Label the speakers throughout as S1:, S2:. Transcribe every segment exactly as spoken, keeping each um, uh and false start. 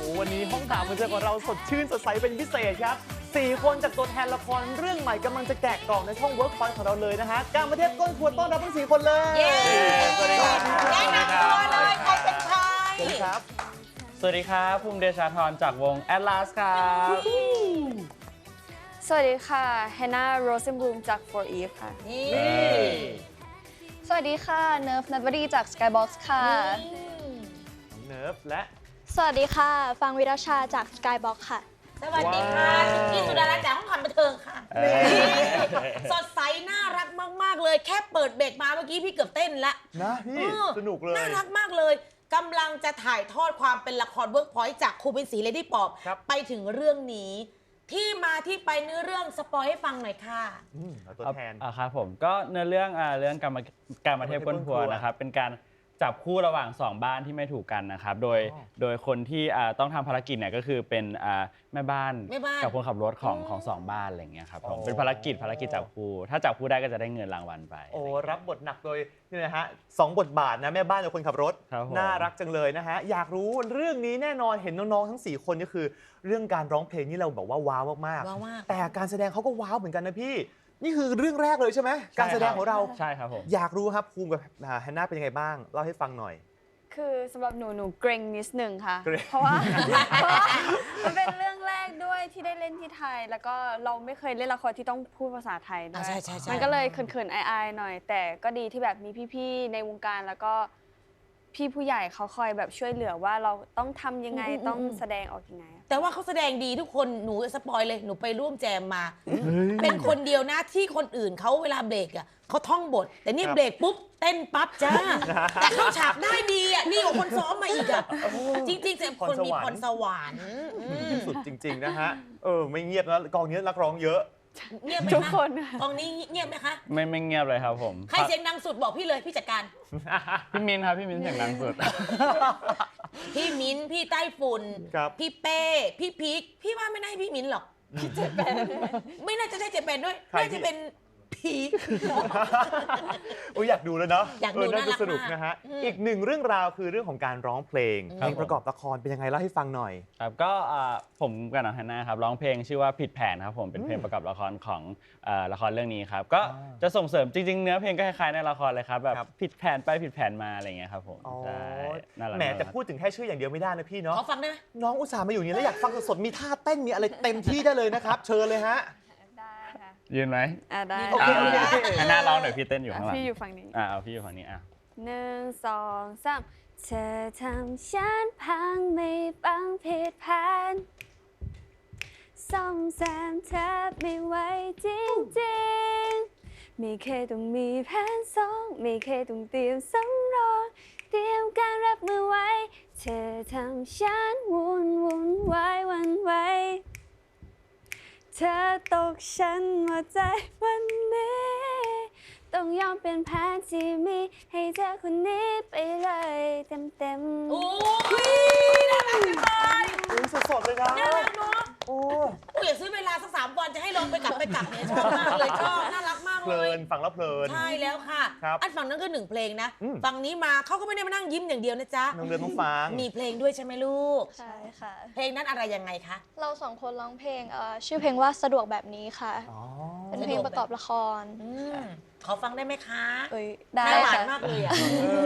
S1: วันนี้ห้องถามบันเทิงของเราสดชื่นสดใสเป็นพิเศษครับสี่คนจากตัวแทนละครเรื่องใหม่กำลังจะแกะกล่องในช่อง Workpoint ของเราเลยนะฮะการมาเทศก้นครัวต้อนรับทั้งสี่คนเลย
S2: เย้
S1: สวัสดีครับ
S2: แนะนำตัวเลยใครเป็นใคร
S1: สวัสดีครับ
S3: สวัสดีครับภูมิเดชาธรจากวง Atlas ครับ
S4: สวัสดีค่ะ Hannah Rosenblum จาก For Eve ค่ะ
S2: นี่
S4: สวัสดีค่ะ เนิร์ฟนัทวดีจาก Skybox ค่ะ
S1: น้องเนิร์ฟและ
S4: สวัสดีค่ะ ฟังวิรชาจาก Skybox ค่ะ
S2: สวัสดีค่ะชิคกี้สุดารัตน์จากห้องทำบันเทิงค่ะสดใสน่ารักมากๆเลยแค่เปิดเบรกมาเมื่อกี้พี่เกือบเต้นละ
S1: นะพี่สนุกเลย
S2: น่ารักมากเลยกำลังจะถ่ายทอดความเป็นละครเวิร์กพอยต์จากครูเป็นศรีเลดี้ป๊อป
S1: ครับ
S2: ไปถึงเรื่องนี้ ที่มาที่ไปเนื้อเรื่องสปอยให้ฟังหน่อยค่ะ
S1: อืมเอาตัวแทน
S3: อ่าครับผมก็เนื้อเรื่องอ่าเรื่องการมาการมาเทพก้นครัวนะครับเป็นการจับคู่ระหว่างสองบ้านที่ไม่ถูกกันนะครับโดย
S1: อ๋อ
S3: โดยคนที่อ่าต้องทำภารกิจเนี่ยก็คือเป็นอ่าแม่บ้าน
S2: แม่บ้าน
S3: กับคนขับรถของ
S2: อืม
S3: ของสองบ้านอะไรอย่างเงี้ยครับผม
S1: อ๋อ
S3: เป็นภารกิจภารกิจจับคู่ถ้าจับคู่ได้ก็จะได้เงินรางวัลไป
S1: โอ้รับบทหนักโดยนี่นะฮะสองบทบาทนะแม่บ้านกับคนขับรถ
S3: ครับผม
S1: น่ารักจังเลยนะฮะอยากรู้เรื่องนี้แน่นอนเห็นน้องๆทั้งสี่คนก็คือ เรื่องการร้องเพลงนี่เราบอกว่าว้าวมาก
S2: ว้าวมาก
S1: ๆแต่การแสดงเขาก็ว้าวเหมือนกันนะพี่ นี่คือเรื่องแรกเลยใช่ไหมการแสดงของเรา
S3: ใช่ครับผม
S1: อยากรู้ครับภูมิกับแฮนนาเป็นยังไงบ้างเล่าให้ฟังหน่อย
S4: คือสำหรับหนูหนูเกรงนิดนึงค่ะ
S1: เกรง
S4: เพราะว่า เพราะว่ามันเป็นเรื่องแรกด้วยที่ได้เล่นที่ไทย แล้วก็เราไม่เคยเล่นละครที่ต้องพูดภาษาไทยด้
S2: อ่า
S4: วย
S2: ใช่ใช่ใช่
S4: มันก็เลยเขินๆอายๆหน่อย แต่ก็ดีที่แบบมีพี่ๆในวงการแล้วก็พี่ผู้ใหญ่เขาคอยแบบช่วยเหลือว่าเราต้องทำยังไงต้องแสดงออกยังไง
S2: แต่ว่าเขาแสดงดีทุกคนหนูสปอยเลยหนูไปร่วมแจมมา เป็นคนเดียวนะที่คนอื่นเขาเวลาเบรกอ่ะเขาท่องบท แต่นี่
S1: ครับ
S2: เบรกปุ๊บเต้นปั๊บจ้า แต่เข้าฉากได้ดีอ่ะนี่กว่าคนซ้อมมาอีกอ่ะจริงๆแต่คนมีพรสวรรค์อืม
S1: สุดจริง ๆ นะฮะ เออ ไม่เงียบนะกองนี้นักร้องเยอะ
S2: เงียบไหม
S4: ทุก
S2: คะ
S4: คน
S2: กองนี้เงียบไหมคะ
S3: ไม่ไม่เงียบเลยครับผม
S2: ใครเสียงดังสุดบอกพี่เลยพี่จัดการ
S3: พี่มินครับพี่มินเสียงดังสุด
S2: พี่มิ้นพี่ใต้ฝุ่น
S1: ครับ
S2: พี่เป้พี่พีคพี่ว่าไม่น่าให้พี่มิ้นหรอกพี่เจแปนไม่น่าจะได้เจแปนด้วย
S1: ใคร
S2: น่าจะเป็นพีค
S1: อุ้ยอยากดูแล้วเนาะ
S2: อยากดู
S1: เน่าจะ
S2: น่ารัก
S1: สนุก
S2: มาก
S1: นะฮะ
S2: อืม
S1: อีกหนึ่งเรื่องราวคือเรื่องของการร้องเพลง
S2: ครับ
S1: เพลงประกอบละครเป็นยังไงเล่าให้ฟังหน่อย
S3: ครับก็อ่าผมกับน้องแฮนนาครับร้องเพลงชื่อว่าผิดแผนครับผมเป็นเพลง
S1: อืม
S3: ประกอบละครของเอ่อละครเรื่องนี้ครับก็
S1: อ่า
S3: จะส่งเสริมจริงๆ เนื้อเพลงก็คล้ายๆในละครเลยครับแบบ
S1: ครับ
S3: ผิดแผนไปผิดแผนมาอะไรอย่างเงี้ยครับผม
S1: อ๋อ
S3: ใช่น่ารัก
S1: แหม
S3: น่ารัก
S1: แต่พูดถึงแค่ชื่ออย่างเดียวไม่ได้นะพี่เนาะ
S2: ขอฟังได้ไหม
S1: น้องอุตส่าห์มาอยู่อย่างนี้แล้วอยากฟังสดๆมีท่าเต้นมีอะไรเต็มที่ได้เลยนะครับ เชิญเลยฮะ
S4: ได้ค่ะ
S3: ยืนไหม
S4: อ่าได้
S1: โอเคโอเค
S3: แฮนนาร้องหน่อยพี่เต้นอยู่
S4: อ่ะ
S3: ข้างหลัง
S4: พี่อยู่ฝั่งนี้
S3: อ่าเอาพี่อยู่ฝั่งนี้อ่ะ
S4: หนึ่งสองสามเธอทำฉันพังไม่ปังผิดแผนซ่อมแซมแทบไม่ไหวจริงๆไม่เคยต้องมีแผนสองไม่เคยต้องเตรียมสำรองเตรียมการรับมือไว้เธอทำฉันวุ่นวุ่นวายหวันไหวเธอตกฉันหมดใจวันนี้ต้องยอมเป็นแผนที่มีให้เธอคนนี้ไปเลยเต็มๆ
S2: โอ้ยน่ารักจังเลย
S1: อุ้ยสดๆเลยนะ
S2: น่ารักเนาะ
S1: โอ้
S2: โอ้ยอยากซื้อเวลาสักสามวันจะให้ลองไปกลับไปกลับเนี่ยชอบมากเลยชอบน่ารักมาก
S1: เพ
S2: เล
S1: ลิ
S2: ย
S1: นฟังแล้วเพลิน
S2: ใช่แล้วค่ะ
S1: ครับ
S2: อันฝั่งนั้นก็หนึ่งเพลงนะ
S1: อืม
S2: ฝั่งนี้มาเขาก็ไม่ได้มานั่งยิ้มอย่างเดียวนะจ๊ะ
S1: น้องเรือนต้องฟัง
S2: มีเพลงด้วยใช่ไหมลูก
S5: ใช่ค่ะ
S2: เพลงนั้นอะไรยังไงคะ
S5: เราสองคนร้องเพลงเอ่อชื่อเพลงว่าสะดวกแบบนี้ค่ะ
S1: อ๋อ
S5: เป็นเพลงประกอบละคร
S2: อืมขอฟังได้ไหมคะ
S5: เอ้ยได้
S2: น่าหวาน
S5: ค่ะ
S2: มากเลยอ่ะ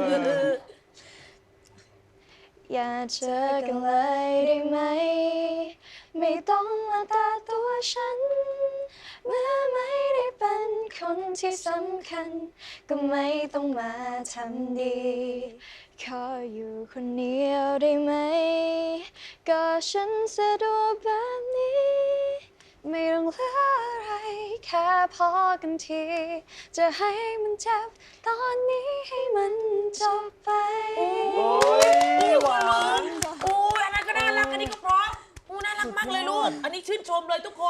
S5: อย่าเจอกันเลยได้ไหม ไม่ต้องมาตาตัวฉัน เมื่อไม่ได้เป็นคนที่สำคัญ ก็ไม่ต้องมาทำดี ขออยู่คนเดียวได้ไหม ก็ฉันสะดวกแบบนี้ ไม่ต้องเหลืออะไรแค่พอกันที จะให้มันเจ็บตอนนี้ให้มันจบไป
S1: โอ้ยหวาน
S2: โอ้ยอันนั้นก็น่ารักอันนี้ก็เพราะโอ้น่ารักมากเลยลูก อันนี้ชื่นชมเลยทุกคน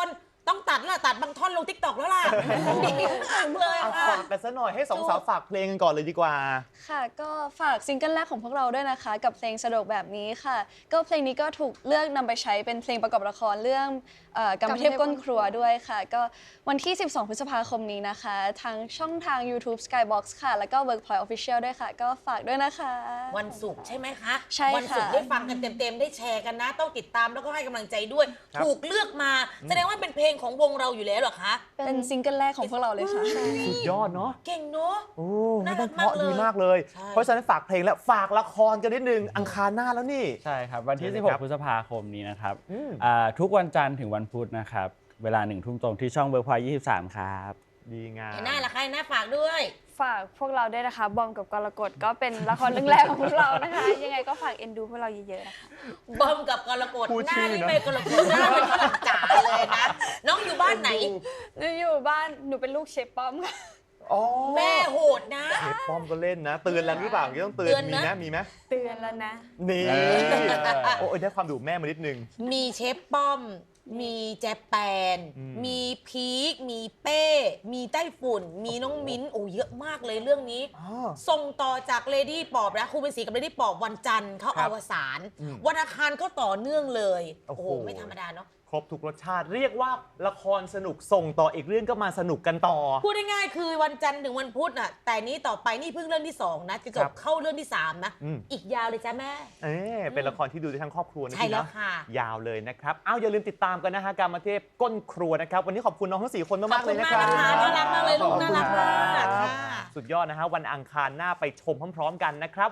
S2: ต้องตัดแล้วตัดบางท่อนลงทิกตอกแล้วล่ะดีมากเลย
S1: เอา
S2: ค่ะ
S1: ฝากกันซะหน่อยให้สองสาวฝากเพลงกันก่อนเลยดีกว่า
S5: ค่ะก็ฝากซิงเกิลแรกของพวกเราด้วยนะคะ กับเพลงสะดวกแบบนี้ค่ะ ก็เพลงนี้ก็ถูกเลือกนำไปใช้เป็นเพลงประกอบละครเรื่องเอ่อกรรมเทพก้นครัวด้วยค่ะ ก็วันที่ สิบสอง พฤษภาคมนี้นะคะ ทางช่องทาง YouTube Skybox ค่ะ แล้วก็ Workpoint Official ด้วยค่ะ ก็ฝากด้วยนะคะ
S2: วันศุกร์ใช่ไหมคะ
S5: ใช่ค่ะ
S2: วันศุกร์ได้ฟังกันเต็มๆได้แชร์กันนะ ต้องติดตามแล้วก็ให้กำลังใจด้วย
S1: ครับ
S2: ถูกเลือกมาแสดงว่าเป็นเพลงของวงเราอยู่แล้วเหรอคะ
S5: เป็นซิงเกิลแรกของพวกเราเลยค่ะ
S1: สุดยอดเนาะ
S2: เก่งเนาะ
S1: โอ้
S2: น่า
S1: ไม่
S2: รั
S1: ต้อก งเพราะ
S2: มากเลย
S1: ดีมากเลย
S2: ใช่
S1: เพราะฉะนั้นฝากเพลงและฝากละครกันนิดนึงอังคารหน้าแล้วนี่
S3: ใช่ครับ วันที่
S1: เชิญเลย
S3: สิบห
S1: ครั
S3: ก
S1: บ
S3: พฤษภาคมนี้นะครับ
S1: อืม
S3: อ่าทุกวันจันทร์ถึงวันพุธนะครับ เวลาหนึ่งทุ่มตรงที่ช่องเวิร์กพอยต์ยี่สิบสามครับ
S1: ดีงาม
S2: เห็นหน้าละใครหน้าฝากด้วย
S4: ฝากพวกเราด้วยนะคะ บอมกับกรกฎก็เป็นละครเรื่องแรกของพวกเรานะคะ ยังไงก็ฝากเอ็นดูพวกเราเยอะๆนะคะ
S2: บอมกับกรกฎ
S1: พูด
S2: หน้า
S1: ชื่อ
S2: นี่
S1: นะ
S2: ไม่กรกฎหน้าเป็นฝรั่งจ๋าเลยนะ น้องอยู่บ้านไหน
S4: หนูอยู่บ้านหนูเป็นลูกเชฟป้อมค่ะ
S1: อ๋อ
S2: แม่โหดนะ
S1: เชฟป้อมก็เล่นนะ เตือนแล้วหรือเปล่าต้องเตือน
S2: เตือน
S1: มี
S2: นะ
S1: ไหมมีไหม
S4: เตือนแล้วนะ
S1: นี่
S3: เออ
S1: โอ้ยได้ความดุแม่มานิดนึง
S2: มีเชฟป้อม มีแจแปน
S1: อืม
S2: มีพีค มีเป้ มีไต้ฝุ่น มีน้องมิ้น โอ้เยอะมากเลยเรื่องนี้
S1: อ๋อ
S2: ส่งต่อจากเลดี้ปอบนะครูเป็นสีกับเลดี้ปอบวันจันทร์เขา
S1: ครั
S2: อา
S1: บ
S2: วสาน
S1: อืม
S2: วันอังคารก็ต่อเนื่องเลย
S1: โอ้
S2: โอ้
S1: โห
S2: โห ไม่ธรรมดาเนาะ
S1: ครบทุกรสชาติเรียกว่าละครสนุกส่งต่ออีกเรื่องก็มาสนุกกันต่อ
S2: พูดง่ายๆคือวันจันทร์ถึงวันพุธน่ะ แต่นี้ต่อไปนี่เพิ่งเรื่องที่สองนะ จะจ
S1: ครับ บ
S2: เข้าเรื่องที่สามนะ
S1: อืม
S2: อีกยาวเลยจ้ะแม่
S1: เอ๊ะเป็นละครที่ดูได้ทั้งครอบครัวนะ
S2: ใช่
S1: พี่
S2: แล้ว
S1: เนาะ
S2: ค่ะ
S1: ยาวเลยนะครับเอาอย่าลืมติดตามกันนะฮะการมาเทพก้นครัวนะครับ วันนี้ขอบคุณน้องทั้งสี่คน
S2: ขอ
S1: มา
S2: บ
S1: กๆเล
S2: คุณ
S1: ยนะ
S2: มาก
S1: ครับ
S2: นะคะน่ารักมากเลยลูกน่ารักมาก
S1: ขอบคุณครับ
S2: ค่ะ
S1: สุดยอดนะฮะวันอังคารหน้าไปชมพร้อมๆกันนะครับ